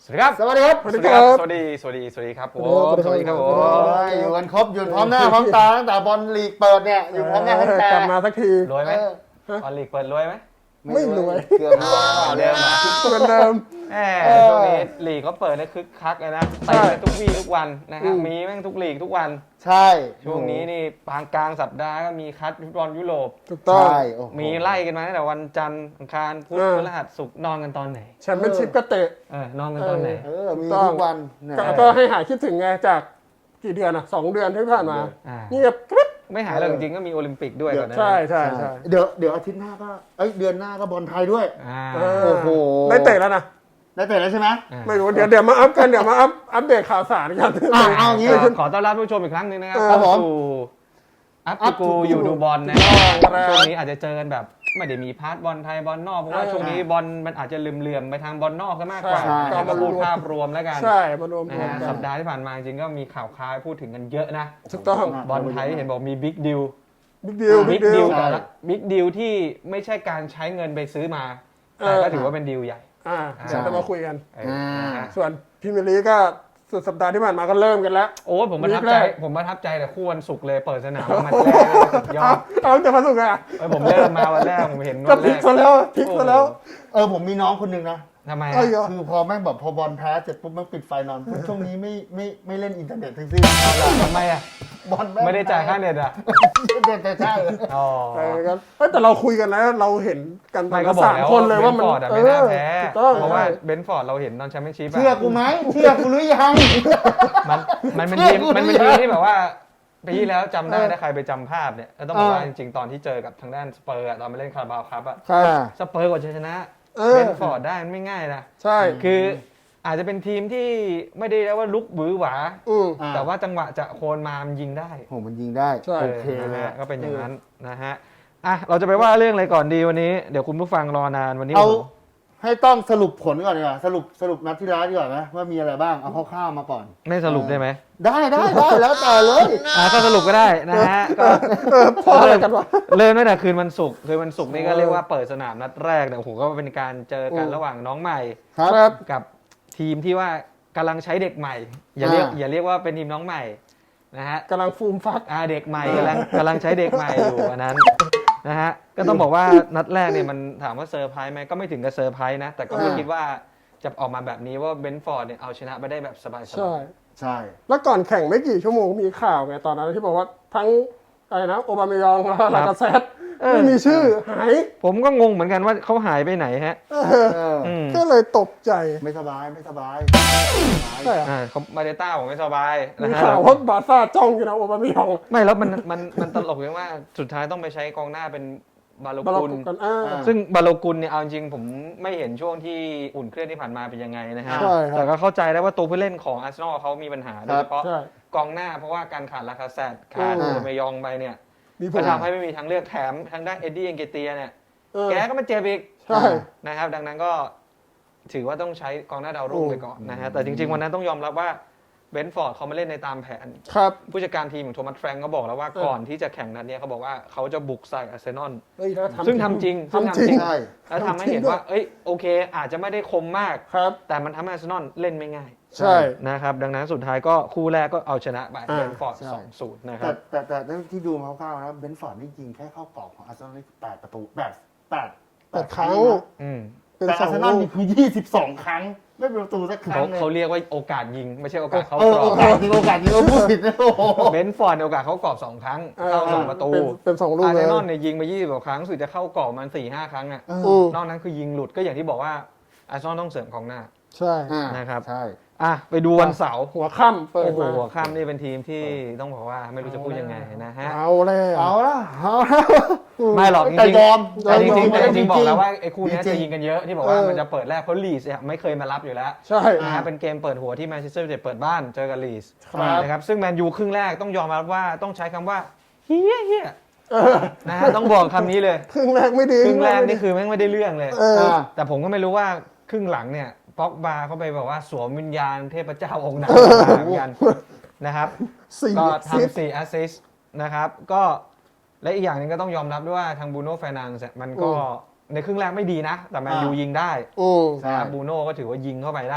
สวัสดีครับสวัสดีครับสวัสดีครับสวัสดีครับผมสวัสดีครับผมอยู่กันครบอยู่พร้อมหน้าพร้อมตาตั้งแต่บอลลีกเปิดเนี่ยอยู่พร้อมหน้าพร้อมตากลับมาสักทีรวยไหมบอลลีกเปิดรวยไหมไม่รวยเกือบเดิมมาเหมือนเดิมช่วงนี้ลีกเขาเปิดได้คึกคักเลยนะเตะทุกวี่ทุกวันนะครับมีแม่งทุกลีกทุกวันใช่ช่วงนี้นี่กลางสัปดาห์ก็มีคัดฟุตบอลยุโรปถูกต้องมีไล่กันมาตั้งแต่วันจันทร์อังคารพุธพฤหัสศุกร์นอนกันตอนไหนแชมเปี้ยนชิพก็เตะนอนกันตอนไหนมีทุกวันก็ให้หายคิดถึงไงจากกี่เดือนอ่ะ2 เดือนที่ผ่านมาเงียบกริบไม่หายเลยจริงๆก็มีโอลิมปิกด้วยก่อนนะใช่เดี๋ยวอาทิตย์หน้าก็เดือนหน้าก็บอลไทยด้วยโอ้โหได้เตะแล้วนะได้เตะแล้วใช่ไหมไม่รู้เดี๋ยวมาอัพกันเดี๋ยวมาอัปเดตข่าวสารกันเอางี้ขอต้อนรับผู้ชมอีกครั้งหนึ่งนะครับเข้าสู่อัพกูอยู่ดูบอลนะครับช่วงนี้อาจจะเจอกันแบบไม่ได้มีพาร์ทบอลไทยบอลนอกเพราะว่าช่วงนี้บอลมันอาจจะเหลื่อมไปทางบอลนอกซะมากกว่าก็มาพูดภาพรวมแล้วกันใช่มารวมสัปดาห์ที่ผ่านมาจริงก็มีข่าวคราวพูดถึงกันเยอะนะถูกต้องบอลไทยเห็นบอกมีบิ๊กดิวบิ๊กดิวที่ไม่ใช่การใช้เงินไปซื้อมาแต่ก็ถือว่าเป็นดิวใหญ่เดี๋ยวจะมาคุยกันส่วนพรีเมียร์ลีกก็สุดสัปดาห์ที่ผ่านมาก็เริ่มกันแล้วโอ้ผมประทับใจแต่คู่วันศุกร์เลยเปิดสนามมันแรกยอดแต่วันศุกร์อ่ะผมเริ่มมาวันแรกผมเห็นวันแรกพลิกซะแล้วผมมีน้องคนหนึ่งนะทำไมคือพอแม่งแบบพอบอลแพ้เสร็จปุ๊บแม่งปิดไฟนอนช่วงนี้ไม่เล่นอินเทอร์เน็ตทั้งสิ้นทำไมอ่ะบอลไม่ได้จ่ายค่าเน็ตอ่ะเน็ตใช่แต่เราคุยกันแล้วเราเห็นกัน3 คนเลยว่ามันไม่น่าแพ้เพราะว่าเบนฟอร์ดเราเห็นตอนแชมเปี้ยนชิพเชื่อกูไหมเชื่อกูหรือยังมันเป็นทีมที่แบบว่าปีที่แล้วจำได้ถ้าใครไปจำภาพเนี่ยต้องบอกว่าจริงๆตอนที่เจอกับทางด้านสเปอร์ตอนไปเล่นคาราบาวครับสเปอร์กว่าจะชนะเบนฟอร์ดได้มันไม่ง่ายนะใช่คืออาจจะเป็นทีมที่ไม่ได้แล้วว่าลุกบือหวาแต่ว่าจังหวะจะโคนมามันยิงได้มันยิงได้โอเคเลยก็เป็นอย่างนั้นนะฮะเราจะไปว่าเรื่องอะไรก่อนดีวันนี้เดี๋ยวคุณผู้ฟังรอนานวันนี้เอาให้ต้องสรุปผลก่อนดีกว่าสรุปนัดที่แล้วดีกว่าไหมว่ามีอะไรบ้างเอาคร่าวๆมาก่อนไม่สรุปได้ไหมได้แล้วแต่เลยก็สรุปก็ได้นะฮะก็พออะไรกันวะเริ่มตั้งแต่คืนวันศุกร์นี่ก็เรียกว่าเปิดสนามนัดแรกเนี่ยโอ้โหก็เป็นการเจอกันระหว่างน้องใหม่กับทีมที่ว่ากำลังใช้เด็กใหม่อย่าเรียกว่าเป็นทีมน้องใหม่นะฮะกำลังฟูมฟักเด็กใหม่กำลังใช้เด็กใหม่อยู่อันนั้นนะฮะก็ต้องบอกว่านัดแรกเนี่ยมันถามว่าเซอร์ไพรส์ไหมก็ไม่ถึงกับเซอร์ไพรส์นะแต่ก็ไม่คิดว่าจะออกมาแบบนี้ว่าเบนฟอร์ดเนี่ยเอาชนะไปได้แบบสบายๆใช่แล้วก่อนแข่งไม่กี่ชั่วโมงมีข่าวไงตอนนั้นที่บอกว่าทั้งอะไรนะโอบามายองแล้วลากาเซตไม่มีชื่อหายผมก็งงเหมือนกันว่าเขาหายไปไหนฮะก็เลยตกใจไม่สบายใช่เขามาเดต้าผมไม่สบายมีข่าวว่าบาซ่าจ้องอยู่นะโอบามายองไม่แล้วมันตลกอย่างว่าสุดท้ายต้องไปใช้กองหน้าเป็นบาโลกุลซึ่งบาโลกุลเนี่ยเอาจริงผมไม่เห็นช่วงที่อุ่นเครื่องที่ผ่านมาเป็นยังไงนะฮะแต่ก็เข้าใจได้ว่าตัวผู้เล่นของอาร์เซนอลเขามีปัญหาโดยเฉพาะกองหน้าเพราะว่าการขาดลาคาเซตขาดโอบามายองไปเนี่ยก็ทำให้ไม่มีทางเลือกแถมทางด้านเอ็ดดี้เอ็นเกเตียเนี่ยแกก็มาเจ็บอีกนะครับดังนั้นก็ถือว่าต้องใช้กองหน้าดาวรุ่งไปก่อนนะฮะแต่จริงๆวันนั้นต้องยอมรับว่าเบนฟอร์ดเขามาเล่นในตามแผนผู้จัดการทีมของโทมัสแฟรงก์ก็บอกแล้วว่าก่อนที่จะแข่งนัดนี้เขาบอกว่าเขาจะบุกใส่อาร์เซนอลซึ่งทำจริงแล้วทำให้เห็นว่าโอเคอาจจะไม่ได้คมมากแต่มันทำให้อาร์เซนอลเล่นไม่ง่ายใช่นะครับดังนั้นสุดท้ายก็คู่แรกก็เอาชนะไปเบนฟอร์ด 2-0 นะครับแต่ที่ดูมาคร่าวๆนะเบนฟอร์ดนี่ยิงแค่เข้ากรอบของอาร์เซนอล8 ประตู8 ครั้งแต่อาร์เซนอลนี่คือ22 ครั้งไม่เป็นประตูสักครั้งเขาเรียกว่าโอกาสยิงไม่ใช่โอกาสเข้ากรอบโอกาสยิงเราพูดผิดนะเบนฟอร์ดโอกาสเข้ากรอบ2 ครั้งเข้า2 ประตูเป็น2 ลูกอาร์เซนอลเนี่ยยิงไป20 กว่าครั้งสุดจะเข้ากรอบมัน 4-5 ครั้งนอกนั้นคือยิงหลุดก็อย่างที่บอกว่าอาร์เซนอลต้องเสริมกองหน้าใช่นะครับไปดูวันเสาร์หัวค่ำเปิดมาหัวค่ำนี่เป็นทีมที่ต้องบอกว่าไม่รู้จะพูดยังไงนะฮะเอาแล้วไม่หรอกจริงบอกแล้วว่าไอ้คู่นี้จะยิงกันเยอะที่บอกว่ามันจะเปิดแรกเพราะลีสไม่เคยมารับอยู่แล้วใช่นะเป็นเกมเปิดหัวที่แมนเชสเตอร์ยูไนเต็ดเปิดบ้านเจอกับลีสนะครับซึ่งแมนยูครึ่งแรกต้องยอมรับว่าต้องใช้คำว่าเฮี้ยนะฮะต้องบอกคำนี้เลยครึ่งแรกไม่ดีครึ่งแรกนี่คือแม่งไม่ได้เรื่องเลยแต่ผมก็ไม่รู้ว่าครึ่งหลังเนี่ยป็อกบาเขาไปบอกว่าสวมวิญญาณเทพเจ้าองค์นั้นเหมือนกันนะครับก็ทำ4 แอสซิสต์นะครับก็และอีกอย่างนึงก็ต้องยอมรับด้วยว่าทางบูโน่เฟร์นันเดสมันก็ในครึ่งแรกไม่ดีนะแต่แมนยูยิงได้นะครับบูโน่ก็ถือว่ายิงเข้าไปได้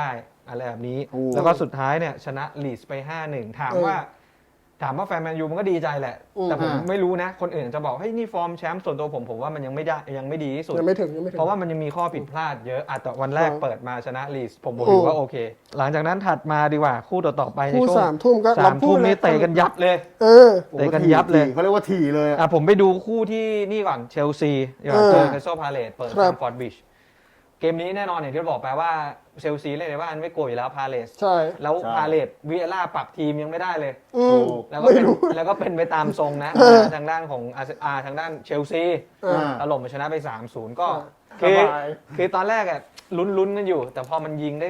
อะไรแบบนี้ แล้วก็สุดท้ายเนี่ยชนะลีดส์ไป 5-1 ถามว่าแฟนแมนยูมันก็ดีใจแหละ แต่ผมไม่รู้นะ คนอื่นจะบอกให้นี่ฟอร์มแชมป์ส่วนตัวผมว่ามันยังไม่ได้ยังไม่ดีที่สุดยังไม่ถึงเพราะว่ามันยังมีข้อผิดพลาดเยอะแต่วันแรกเปิดมาชนะลีดส์ผมถือว่าโอเค หลังจากนั้นถัดมาดีกว่าคู่ต่อไปในคู่ช่วง 3 ทุ่มก็ 3 ทุ่มนี้เตะกันยับเลย เตะกันยับเลยเขาเรียกว่าถี่เลยผมไปดูคู่ที่นี่ก่อนเชลซีเจอคริสตัลพาเลซเปิดครัซับมฟอร์ดบริดจ์เกมนี้แน่นอนอย่างที่บอกไปว่าเชลซีเล่นในบ้านไม่โกยอยู่แล้วพาเลซใช่แล้วพาเลซวิเอล่าปรับทีมยังไม่ได้เลย แล้วก็ไม่เป็นรู้แล้วก็เป็นไปตามทรงนะทางด้านของทางด้านเชลซีถล่มมาชนะไป 3-0 ก็คือตอนแรกอะลุ้นกันอยู่ แต่พอมันยิงได้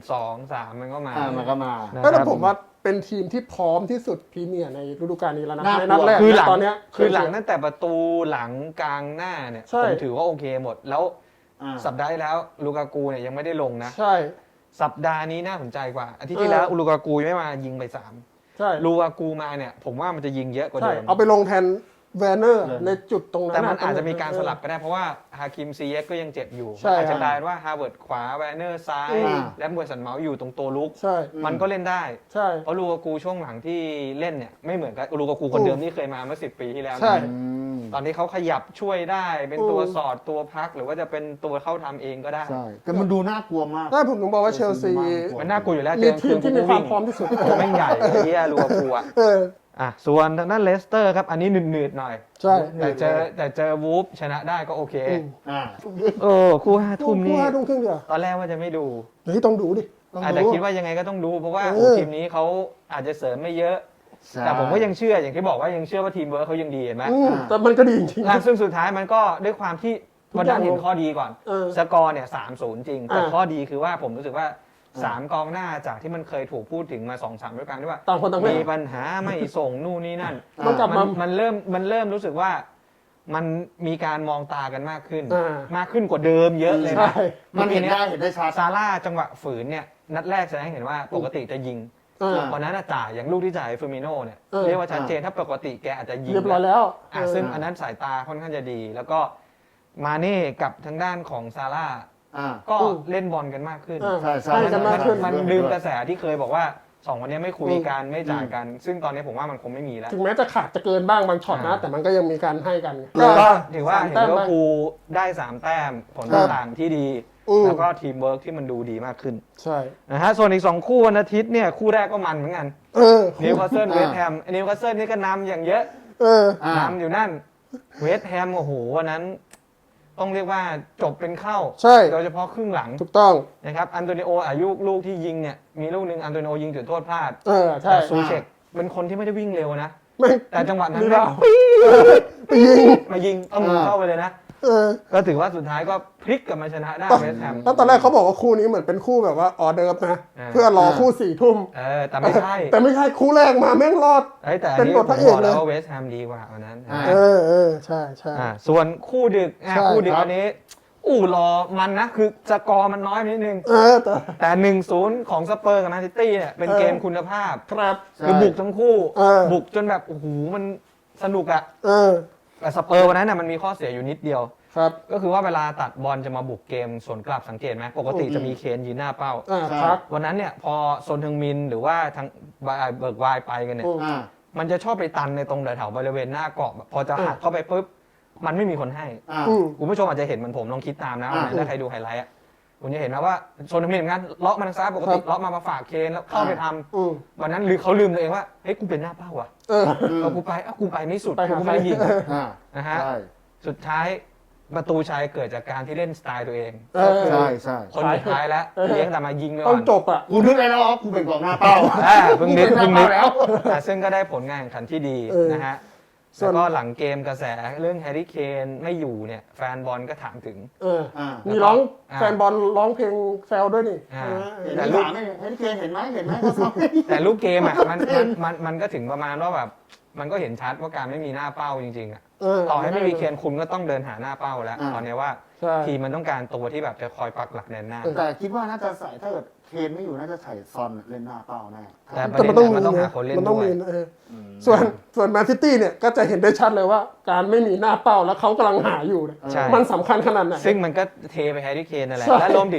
1-2-3 มันก็มามันก็มาแต่ผมว่าเป็นทีมที่พร้อมที่สุดพรีเมียร์ในฤดูกาลนี้แล้วนะน่าในนัดแรกคือหลังตอนเนี้ยคือหลังตั้งแต่ประตูหลังกลางหน้าเนี่ยใช่ผมถือว่าโอเคหมดแล้วสัปดาห์ที่แล้วลูกากูเนี่ยยังไม่ได้ลงนะใช่สัปดาห์นี้น่าสนใจกว่าอาทิตย์ที่แล้วลูกากูไม่มายิงไป3 ใช่ลูกากูมาเนี่ยผมว่ามันจะยิงเยอะกว่าใช่เดิมเอาไปลงแทนแวนเนอร์ในจุดตรงนั้นแต่มันอาจจะมีการสลับก็ได้เพราะว่าฮาคิมซีเยกก็ยังเจ็บอยู่ใช่อาจจะกลายเป็นว่าฮาร์เวิร์ดขวาแวนเนอร์ซ้าย และมวยสันเมาส์อยู่ตรงตัวลุกใช่มันก็เล่นได้ใช่เพราะลูกากูช่วงหลังที่เล่นเนี่ยไม่เหมือนกับลูกากูคนเดิมที่เคยมาเมื่อ10 ปีที่แล้วนะใช่ตอนนี้เขาขยับช่วยได้เป็นตัวสอดตัวพักหรือว่าจะเป็นตัวเข้าทำเองก็ได้ใช่แต่มันดูน่ากลัวมากถ้าผมถึงบอกว่าเชลซีมันน่ากลัวอยู่แล้วมีทีมที่มีความพร้อมที่สุดตัวแม่งใหญ่ไอ้เหี้ยลูกากูอ่ะ ส่วนทางด้านเลสเตอร์ครับอันนี้หนืดๆหน่อยใช่แต่เจอวูฟชนะได้ก็โอเคอ่าคู่5 ทุ่มนี่คู่5 ทุ่มครึ่งเดียวตอนแรกว่าจะไม่ดูเฮ้ยต้องดูดิแต่คิดว่ายังไงก็ต้องดูเพราะว่าทีมนี้เขาอาจจะเสริมไม่เยอะใช่แต่ผมก็ยังเชื่ออย่างที่บอกว่ายังเชื่อว่าทีมเวิร์คเขายังดีเห็นไหมแต่มันก็ดีจริงซึ่งสุดท้ายมันก็ด้วยความที่ทุกวันอย่านั้งนเห็นข้อดีก่อน สกอร์เนี่ย 3-0 จริง แต่ข้อดีคือว่าผมรู้สึกว่า 3 กองหน้าจากที่มันเคยถูกพูดถึงมา 2-3ด้วยกันที่ว่าต่างคนต่างเล่นมีปัญหาไม่ส่งนู่นนี่นั่นต้องกลับมามันเริ่มรู้สึกว่ามันมีการมองตากันมากขึ้นอ่ามากขึ้นกว่าเดิมเยอะเลยใช่นะมันเห็นได้ชัดซาร่าจังหวะฝืนเนี่ยนัดแรกแสดงให้เห็นว่าปกติจะยิง วันนั้นจ่ายอย่างลูกที่จ่ายเฟอร์มิโน่เนี่ยเรียกว่าชัดเจนถ้าปกติแกอาจจะยิงเรียบร้อยแล้วซึ่งอันนั้นสายตาค่อนข้างจะดี แล้วก็มาเน่กับทางด้านของซาร่าก็เล่นบอลกันมากขึ้นใช่ใช่ให้กันมากขึ้นมันลืมกระแสที่เคยบอกว่า2 คนนี้ไม่คุยกันไม่จ่ายกัน ซึ่งตอนนี้ผมว่ามันคงไม่มีแล้วถึงแม้จะขาดจะเกินบ้างบางช็อตนะ แต่มันก็ยังมีการให้กันก็ถือว่าสมเห็นแต้มว่าบ้างครูได้3 แต้มผลต่างๆที่ดี แล้วก็ทีมเวิร์กที่มันดูดีมากขึ้นใช่นะฮะส่วนอีก2 คู่วันอาทิตย์เนี่ยคู่แรกก็มันเหมือนกันนิวคาสเซิลเวสต์แฮมนิวคาสเซิลนี่ก็นำอย่างเยอะนำอยู่นั่นเวสต์แฮมโอ้โหวันนั้นต้องเรียกว่าจบเป็นเข้าใช่โดยเฉพาะครึ่งหลังถูกต้องนะครับอันโตนิโออายุลูกที่ยิงเนี่ยมีลูกหนึ่งอันโตนิโอยิงจุดโทษพลาดใช่แต่ซูเชกเป็นคนที่ไม่ได้วิ่งเร็วนะไม่แต่จังหวะนั้นมีแม่เรางไปยิงมายิงเอามือเข้าไปเลยนะก็ถือว่าสุดท้ายก็พลิกกลับมาชนะได้เวสต์แฮมแล้วตอนแรกเขาบอกว่าคู่นี้เหมือนเป็นคู่แบบว่าออเดิร์ฟนะ เพื่อรอคู่4 ทุ่มแต่ไม่ใช่แต่ไม่ใช่คู่แรกมาแม่งรอดแต่อันเป็นนี้บผทมพระเอบอก กเลแล้วยว่าเวสต์แฮมดีกว่าวันนั้นใช่ใช่ส่วนคู่ดึกใช่คู่ดึกอันนี้รอมันนะคือสกอร์มันน้อยนิดนึง แต่ 1-0 ของสเปอร์กับแมนซิตี้เนี่ยเป็นเกมคุณภาพครับคือบุกทั้งคู่บุบุกจนแบบโอ้โหมันสนุกอะอแต่สเปอร์วันนั้นน่ะมันมีข้อเสียอยู่นิดเดียวครับก็คือว่าเวลาตัดบอลจะมาบุกเกมสวนกลับสังเกตไหมปกติจะมีเคนยืนหน้าเป้าครับวันนั้นเนี่ยพอโซนทึงมินหรือว่าทางเบิร์กไวน์ไปกันเนี่ยมันจะชอบไปตันในตรงแถวๆบริเวณหน้ากรอบพอจะหักเข้าไปปุ๊บมันไม่มีคนให้คุณผู้ชมอาจจะเห็นเหมือนผมลองคิดตามนะถ้าใครดูไฮไลท์คุณจะเห็นนะว่าโซนทึงมินเหมือนกันล็อกมาทางซ้ายปกติล็อกมาฝากเคนแล้วเข้าไปทำวันนั้นหรือเขาลืมตัวเองว่าเฮ้ยกูเป็นหน้าเป้าว่ะกูไปไม่สุดกูไม่ได้ยิงนะฮะสุดท้ายประตูชัยเกิดจากการที่เล่นสไตล์ตัวเองใช่ใช่คนสุดท้ายแล้วเลี้ยงแต่มายิงเลยต้องจบอ่ะกูนึกอะไรแล้วกูเป็นกองหน้าเป้าเพิ่งนึกแล้วซึ่งก็ได้ผลงานแข่งขันที่ดีนะฮะแล้วก็หลังเกมกระแสเรื่องแฮร์รี่เคนไม่อยู่เนี่ยแฟนบอลก็ถามถึงมีร้องแฟนบอลร้องเพลงแซวด้วยนี่แต่ลูกเห็นไหมแต่ลูกเกมอ่ะมันก็ถึงประมาณว่าแบบมันก็เห็นชัดว่าการไม่มีหน้าเป้าจริงๆอ่ะต่อให้ไม่มีเคนคุณก็ต้องเดินหาหน้าเป้าแล้วตอนนี้ว่าทีมมันต้องการตัวที่แบบจะคอยปักหลักแนนหน้าแต่คิดว่าน่าจะใส่ถ้าเกิดเคนไม่อยู่น่าจะใส่ซอนเล่นหน้าเป้าแน่แต่ประเด็นมันต้องหาคนเล่นด้วยส่วนแมนซิตี้เนี่ยก็จะเห็นได้ชัดเลยว่าการไม่มีหน้าเป้าแล้วเขากำลังหาอยู่มันสำคัญขนาดไหนซึ่งมันก็เทไปแฮร์รี่เคนนั่นแหละและรวมถึง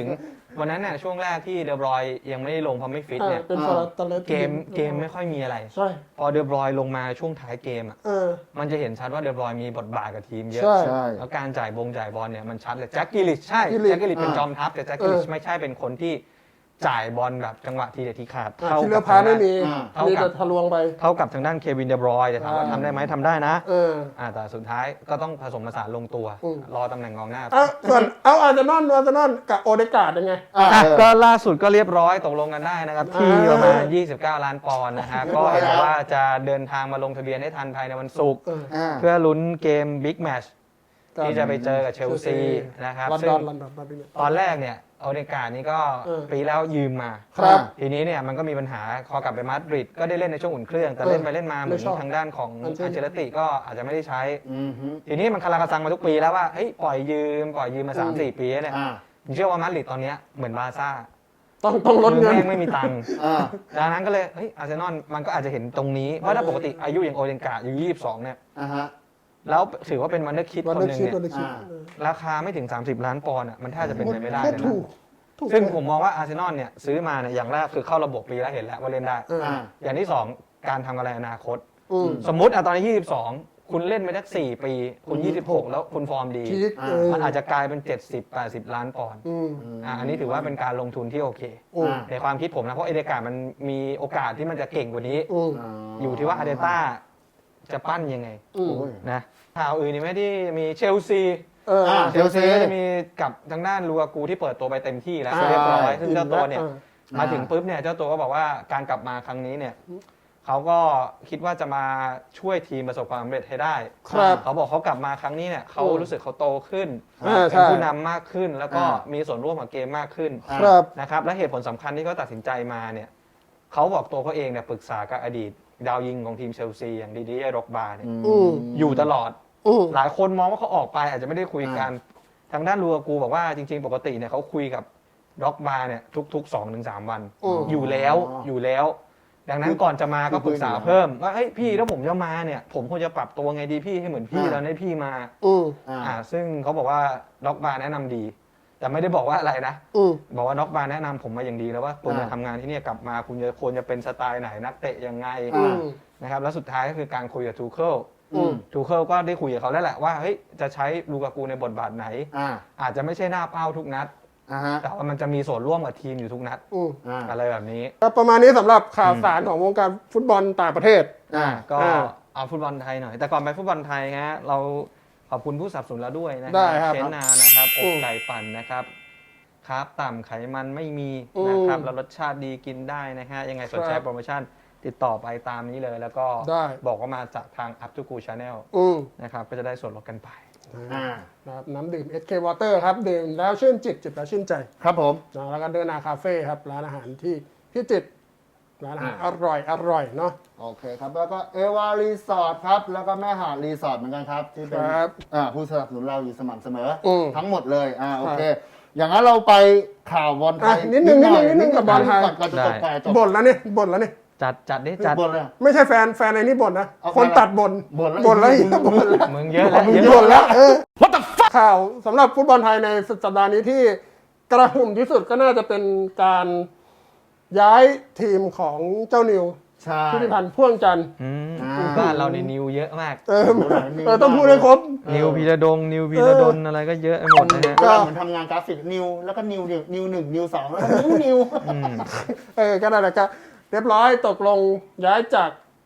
วันนั้นเนี่ยช่วงแรกที่เดอบรอยยังไม่ได้ลงเพราะไม่ฟิตเนี่ยเป็นฟอร์ตเลสเกมไม่ค่อยมีอะไรใช่พอเดอบรอยลงมาช่วงท้ายเกมอ่ะ มันจะเห็นชัดว่าเดอบรอยมีบทบาทกับทีมเยอะใช่แล้วการจ่ายบอลเนี่ยมันชัดเลยแจ็คกิลิชใช่กิลิชแจ็คกิลิชเป็นจอมทัพแต่แจ็คกิลิชไม่ใช่เป็นคนที่จ่ายบอลแบบจังหวะทีเด็ดทีขาดที่เลือพาไม่มีเท่ามีกัแต่บทะลวงไปเท่ากับทางด้านเควินเดบรอยแต่ถามว่าทำได้ไหมทำได้นะ แต่สุดท้ายก็ต้องผสมผสานลงตัว รอตำแหน่งกองหน้าส่วนอาร์เซนอลกับโอเดการ์ดยังไงก็ล่าสุดก็เรียบร้อยตกลงกันได้นะครับ ที่ประมาณ29 ล้านปอนด์นะครับก็เห็นว่าจะเดินทางมาลงทะเบียนให้ทันภายในวันศุกร์เพื่อลุ้นเกมบิ๊กแมตช์ที่จะไปเจอกับเชลซีนะครับซึ่งตอนแรกเนี่ยโอเดการ์ดนี่ก็ปีแล้วยืมมาครับทีนี้เนี่ยมันก็มีปัญหาพอกลับไปมาดริดก็ได้เล่นในช่วงอุ่นเครื่องแต่เล่นไปเล่นมาเหมือนทางด้านของอันเชลติก็อาจจะไม่ได้ใช้ ทีนี้มันคาราคาซังมาทุกปีแล้วว่าเฮ้ยปล่อยยืมมา 3-4 ปีเนี่ยผมเชื่อว่ามาดริดตอนนี้เหมือนบาร์ซ่าต้องลดเงินไม่มีตังค์ดังนั้นก็เลยเฮ้ยอาร์เซนอลมันก็อาจจะเห็นตรงนี้เพราะถ้าปกติอายุอย่างโอเดการ์ดอายุ22เนี่ยแล้วถือว่าเป็นวันเดอร์คิดคนหนึ่งเนี่ยราคาไม่ถึง30 ล้านปอนด์อ่ะมันแทบจะเป็นไปไม่ได้เลยนะซึ่งผมมองว่าอาร์เซนอลเนี่ยซื้อมาเนี่ยอย่างแรกคือเข้าระบบปีแล้วเห็นแล้วว่าเล่นได้อย่างที่2การทำกำไรอนาคตสมมุติตอนนี้22คุณเล่นไปสัก4 ปีคุณ26แล้วคุณฟอร์มดีมันอาจจะกลายเป็น70-80 ล้านปอนด์อันนี้ถือว่าเป็นการลงทุนที่โอเคในความคิดผมนะเพราะเอเดการ์มันมีโอกาสที่มันจะเก่งกว่านี้อยู่ที่ว่าอาร์เตต้าจะปั้นยังไงนะข่าวอื่นนี่ไม่ได้มีเชลซีก็จะมีกับทางด้านลูกากูที่เปิดตัวไปเต็มที่แล้วเรียบร้อยซึ่งเจ้าตัวเนี่ยมาถึงปุ๊บเนี่ยเจ้าตัวก็บอกว่าการกลับมาครั้งนี้เนี่ยเขาก็คิดว่าจะมาช่วยทีมประสบความสำเร็จให้ได้เขาบอกเขากลับมาครั้งนี้เนี่ยเขารู้สึกเขาโตขึ้นเป็นผู้นำมากขึ้นแล้วก็มีส่วนร่วมกับเกมมากขึ้นนะครับและเหตุผลสำคัญที่เขาตัดสินใจมาเนี่ยเขาบอกตัวเขาเองเนี่ยปรึกษากับอดีตดาวยิงของทีมเชลซีอย่างดีๆร็อกบาร์เนี่ยอยู่ตลอดหลายคนมองว่าเขาออกไปอาจจะไม่ได้คุยกันทางด้านลูกากูบอกว่าจริงๆปกติเนี่ยเขาคุยกับร็อกบาร์เนี่ยทุก 2-3 วันอยู่แล้วดังนั้นก่อนจะมาก็ปรึกษาเพิ่มว่าเฮ้ยพี่ถ้าผมจะมาเนี่ยผมควรจะปรับตัวไงดีพี่ให้เหมือนพี่แล้วให้พี่มาซึ่งเขาบอกว่าร็อกบาร์แนะนำดีแต่ไม่ได้บอกว่าอะไรนะบอกว่าน็อกบาร์แนะนำผมมาอย่างดีแล้วว่าคุณจะทำงานที่นี่กลับมาคุณควรจะเป็นสไตล์ไหนนักเตะยังไงนะครับแล้วสุดท้ายก็คือการคุยกับทูเคิลก็ได้คุยกับเขาแล้วแหละว่าเฮ้ยจะใช้ลูกากูในบทบาทไหนอาจจะไม่ใช่หน้าเป้าทุกนัดแต่ว่ามันจะมีส่วนร่วมกับทีมอยู่ทุกนัดอะไรแบบนี้ประมาณนี้สำหรับข่าวสารของวงการฟุตบอลต่างประเทศก็เอาฟุตบอลไทยหน่อยแต่ก่อนไปฟุตบอลไทยฮะเราขอบคุณผู้สนับสนุนเราด้วยนะครับเชนนานะครับอกไก่ปั่นนะครับครับต่ำไขมันไม่มีนะครับแล้วรสชาติดีกินได้นะฮะยังไงสนใจโปรโมชั่นติดต่อไปตามนี้เลยแล้วก็บอกว่ามาจากทาง Up to Go Channel นะครับก็จะได้ส่วนลดกันไปนะครับน้ำดื่ม SK Water ครับดื่มแล้วชื่นจิตจิบแล้วชื่นใจครับผมแล้วก็เดินนาคาเฟ่ครับร้านอาหารที่พิจิตรร้านอาหารอร่อยเนาะโอเคครับแล้วก็เอวารีสอร์ทครับแล้วก็แม่หาดรีสอร์ทเหมือนกันครับที่เป็นผู้สนับสนุนเราอยู่สม่ำเสมอทั้งหมดเลยโอเคอย่างนั้นเราไปข่าวบอลไทยนิดนึงกับบอลไทยก่อนจะจบไปบ่นแล้วนี่จัดดิจัดไม่ใช่แฟนไอ้นี่บ่นนะคนตัดบ่นแล้วมึงเยอะแล้วบ่นแล้วWhat the fuck ข่าวสำหรับฟุตบอลไทยในสัปดาห์นี้ที่กระหึ่มที่สุดก็น่าจะเป็นการย้ายทีมของเจ้านิวผู้ที่พันพ่วงจันทร์บ้านเราในนิวเยอะมากต้องพูดให้ครบนิวพีระดงนิวพีระดนอะไรก็เยอะไปหมดนะฮะก็มันทำงานกราฟิกนิวแล้วก็นิว1นิว2แล้วก็นิวก็นั่นแหละก็เรียบร้อยตกลงย้ายจาก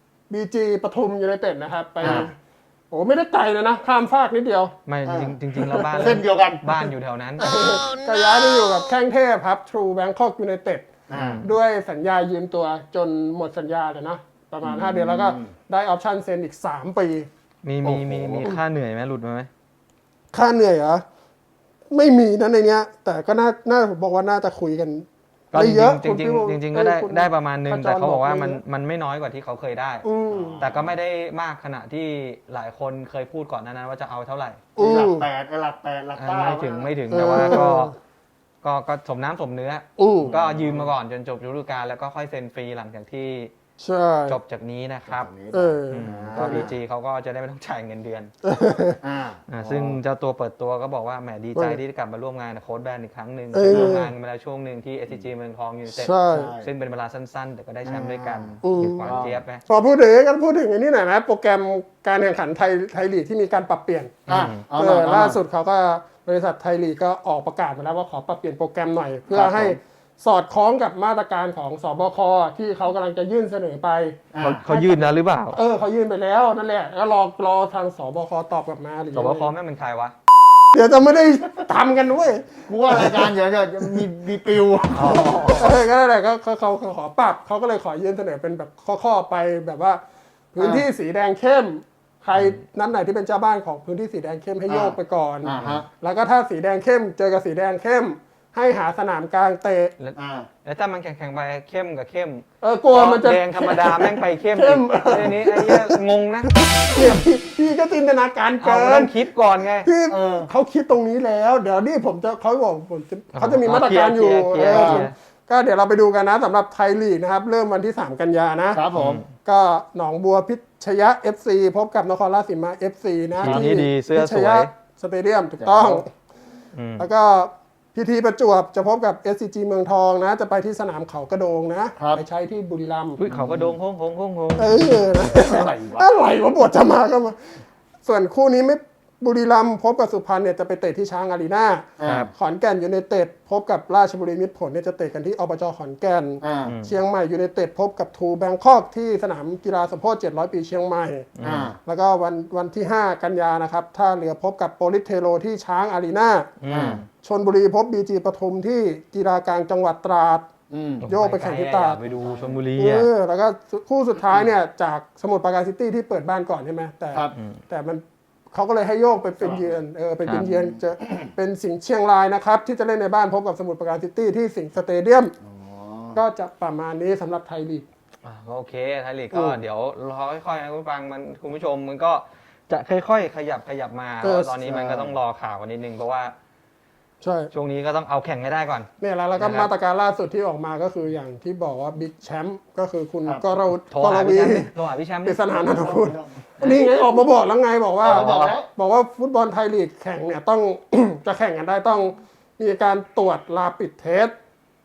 BG ปทุมยูไนเต็ดนะครับไปโอ้ไม่ได้ไกลเลยนะข้ามฟากนิดเดียวไม่จริงแล้วบ้านเส้นเดียวกันบ้านอยู่แถวนั้นก็ย้ายไปอยู่กับแข้งเทพครับ True Bangkok United ด้วยสัญญายืมตัวจนหมดสัญญาเลยนะประมาณ5 เดือนแล้วก็ได้ออปชั่นเซ็นอีก3 ปีมีค่าเหนื่อยไหมหลุดมาไหมค่าเหนื่อยเหรอไม่มีนะในเนี้ยแต่ก็น่าผมบอกว่าน่าจะคุยกันได้เยอะจริงก็ได้ประมาณนึงแต่เขาบอกว่ามันไม่น้อยกว่าที่เขาเคยได้แต่ก็ไม่ได้มากขนาดที่หลายคนเคยพูดก่อนนั้นว่าจะเอาเท่าไหร่หลัก8หลัก9 ไม่ถึงแต่ว่าก็สมน้ำสมเนื้อก็ยืมมาก่อนจนจบฤดูกาลแล้วก็ค่อยเซ็นฟรีหลังจากที่ใช่จบจากนี้นะครับเออก็บีจีเขาก็จะได้ไม่ต้องจ่ายเงินเดือนอ่าซึ่งเจ้าตัวเปิดตัวก็บอกว่าแหมดีใจที่ได้กลับมาร่วมงานกับโค้ชแบนอีกครั้งหนึ่งเออร่วมงานกันมาแล้วช่วงหนึ่งที่ SCG เมืองทองยูไนเต็ดใช่ซึ่งเป็นเวลาสั้นๆ แต่ก็ได้แชมป์ด้วยกันอืมคือหวานเจี๊ยบไหมพอพูดถึงกันพูดถึงอันนี้หน่อยนะโปรแกรมการแข่งขันไทยลีกที่มีการปรับเปลี่ยนเอาหน่อยเอาหน่อยล่าสุดเขาก็บริษัทไทยลีกก็ออกประกาศมาแล้วว่าขอปรับเปลี่ยนโปรแกรมหน่อย เพื่อครับให้สอดคล้องกับมาตรการของสบคที่เขากำลังจะยื่นเสนอไปเขายื่นนะหรือเปล่าเขายื่นไปแล้วนั่นแหละแล้วรอทางสบคตอบกลับมาหรือสบคแม่งเป็นใครวะเดี๋ยวจะไม่ได้ทำกันด้วยกูว่ารายการเดี๋ยวจะมีปิวก็นั่นแหละก็เขาขอปรับเขาก็เลยขอยื่นเสนอเป็นแบบข้อๆไปแบบว่า พื้นที่สีแดงเข้ม ใครนัดไหนที่เป็นเจ้าบ้านของพื้นที่สีแดงเข้มให้โยกไปก่อนฮะแล้วก็ถ้าสีแดงเข้มเจอกับสีแดงเข้ม ให้หาสนามกลางเตะแล้วถ้ามันแข่งไปเข้มกับเข้มกลัวมันจะแดงธรรมดาแม่งไปเข้มเข้มไอ้นี้ไอ้เหี้ยงงนะเนี่ยพี่ก็จินตนาการเอาเกิต้อน งคิดก่อนไงพี่เขาคิดตรงนี้แล้ว เดี๋ยวนี่เขาจะมีมาตรการอยู่เคลียร์ก็เดี๋ยวเราไปดูกันนะสำหรับไทยลีกนะครับ เริ่มวันที่ 3 กันยานะครับผมก็หนองบัวพิชยะ FC พบกับนครราชสีมา FC นะทีมนี้ดีเสื้อพิชสวยยะสเตเดียมถูกต้องอืมแล้วก็พีทีประจวบจะพบกับ SCG เมืองทองนะ จะไปที่สนามเขากระโดงนะ ไปใช้ที่บุรีรัมย์อุ๊ยเขาก็โดงโค้งโค้งโค้งโค้งนะอะไรวะอะไรวะบทจะมาก็มา ส่วนคู่นี้ไม่บุรีรัมย์พบกับสุพรรณเนี่ยจะไปเตะที่ช้างอารีนาครับขอนแก่นยูไนเต็ดพบกับราชบุรีมิตรผลเนี่ยจะเตะกันที่อบจขอนแก่น เชียงใหม่ยูไนเต็ดพบกับทูแบงคอกที่สนามกีฬาสมโพธิ700 ปีเชียงใหม่ แล้วก็วันที่ 5 กันยานะครับท่าเรือพบกับโปลิสเทโรที่ช้างอารีนา ชลบุรีพบบีจีปทุมที่กีฬากลางจังหวัดตราด โยกไปแข่งที่ตราดไปดูชลบุรีอ่ะแล้วก็คู่สุดท้ายเนี่ยจากสมุทรปราการซิตี้ที่เปิดบ้านก่อนใช่ไหมแต่มันเขาก็เลยให้โยกไปเป็นเยือนเป็นเยือนจะเป็นสิงห์เชียงรายนะครับ ที่จะเล่นในบ้านพบกับสมุทรปราการซิตี้ที่สิงห์สเตเดียมก็จะประมาณนี้สำหรับไทยลีกก็โอเคไทยลีกก็เดี๋ยวรอค่อยๆนะคุณฟังมันคุณผู้ชมมันก็จะค่อยๆขยับมาเพราะว่าตอนนี้มันก็ต้องรอข่าวกันนิดนึงเพราะว่าใช่ช่วงนี้ก็ต้องเอาแข่งให้ได้ก่อนเนี่ยแล้วก็มาตรการล่าสุดที่ออกมาก็คืออย่างที่บอกว่าบิ๊กแชมป์ก็คือคุณกรโทรกรหาวีพี่แชมป์ปริศนานันทคุณนี่ไงออกมาบอกแล้วไงบอกว่า บอกว่าฟุตบอลไทยลีกแข่งเนี่ยต้อง จะแข่งกันได้ต้องมีการตรวจลาปิดเทส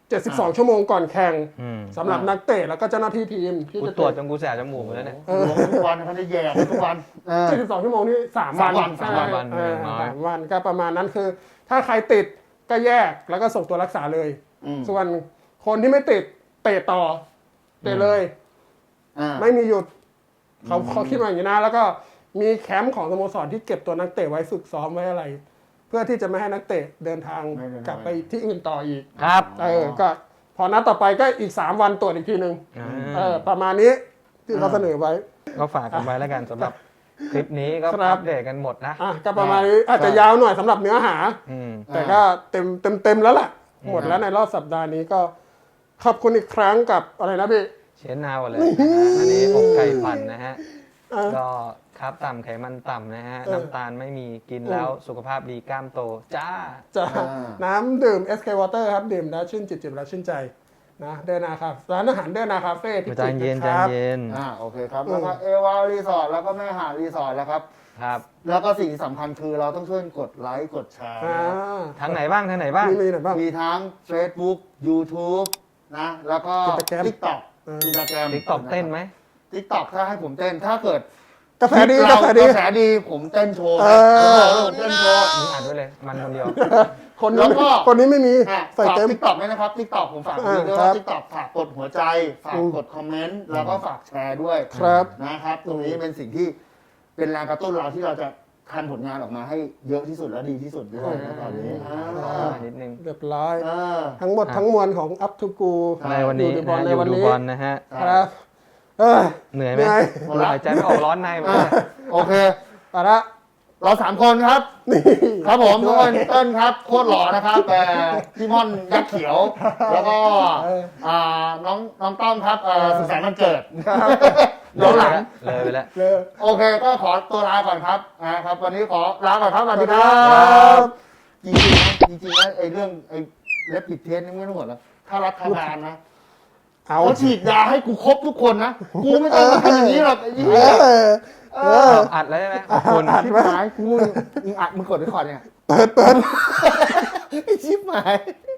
72 ชั่วโมงก่อนแข่งสำหรับนักเตะแล้วก็เจ้าหน้าที่ทีมที่กูจะตรวจจนกูแสบจมูกแล้วเนี่ยทุกวันเขาจะแย่ทุกวัน 72 ชั่วโมงนี่3 วันสามวัน 3 วันก็ประมาณนั้นคือ ถ้าใครติดก็แยกแล้วก็ส่งตัวรักษาเลย ส่วนคนที่ไม่ติดเตะต่อเตะเลยไม่มีหยุดเขาคิดมาอย่างนี้นะแล้วก็มีแคมป์ของสโมสรที่เก็บตัวนักเตะไว้ฝึกซ้อมไว้อะไร เพื่อที่จะไม่ให้นักเตะเดินทางกลับไปที่อื่นต่ออีกครับก็พอนัดต่อไปก็อีก3 วันตรวจอีกทีหนึ่งประมาณนี้ที่เขาเสนอไว้ก็ฝากกันไว้แล้วกันสำหรับคลิปนี้ก็ครับอัปเดตกันหมดนะก็ประมาณนี้อาจจะยาวหน่อยสำหรับเนื้อหา แต่ก็เต็มแล้วล่ะ หมดแล้วในรอบสัปดาห์นี้ก็ขอบคุณอีกครั้งกับอะไรนะพี่เชนนาวเลยอันนี้อกไก่ปั่นนะฮะ ก็ครับต่ำไขมันต่ำนะฮะ น้ำตาลไม่มีกินแล้วสุขภาพดีกล้ามโต จ้าจะน้ำดื่ม SK Water ครับ ดื่มแล้วชื่นจิตแล้วชื่นใจนะเดินนาคาร้านอาหารเดินนาคาเฟ่ที่ใจเย็นคใจรับเย็นโอเคครับแล้วก็เอวารีสอร์ทแล้วก็แม่หาดรีสอร์ทแล้วครับครับแล้วก็สิ่งที่สำคัญคือเราต้องช่วยกดไลค์กดแชร์ทางไหนบ้างทางไหนบ้างมีไหนบ้างมีทั้ง Facebook YouTube นะแล้วก็ Instagram TikTok Instagram TikTok เต้นไหม TikTok ถ้าให้ผมเต้นถ้าเกิดกาแฟดีเรากาแฟดีกระแสดีผมเต้นโชว์ผมเต้นโชว์มึงอ่านด้วยเลย มันคนเดียวคนแล้นี้วก็คนนี้ไม่มีใส่ฝากเต็ม TikTok ด้วยนะครับ TikTok ผมฝากด้วยครัว่าบ TikTok ฝากกดหัวใจฝากกดคอมเมนต์แล้วก็ฝากแชร์ด้วยครับนะครับ ตรงนี้เป็นสิ่งที่เป็นแรงกระตุ้นเราที่เราจะทำผลงานออกมาให้เยอะที่สุดและดีที่สุดด้วยนะตอนนี้นิดนึงเรียบร้อยอ่าทั้งหมดทั้งมวลของ Up to Go ในวันนี้ดูบอลนะในอยู่วันดูนี้บอลนะฮะครับเหนื่อยไหมเหนื่อยหายใจไม่ออกร้อนในหมดเลยโอเคไปละเราสามคนครับนี่ครับผมทุกคนเต้นครับโคตรหล่อนะครับแต่พี่ม่อนยักษ์เขียว แล้วก็น้องต้อมครับสุขสันต์วันเกิดย้อนหลังเลยไปแล้วเลยโอเคก็ขอตัวลาก่อนครับนะครับ วันนี้ขอลาก่อนครับสวัสดีครัครับ บจริงๆนะไอ้เรื่องไอ้เล็บปิดเทสนี่ไม่ต้องห่วงแล้วถ้ารัฐบาลนะเขาฉีดยาให้กูครบทุกคนนะกูไม่ต้องมาทำอย่างนี้หรอกไอ้เหี้ยอัดแล้วใช่ไหมขอบคุณชิบหายกูมึงอัดมึงกดรีคอร์ดเนี่ยเปิดไอ้ชิบหาย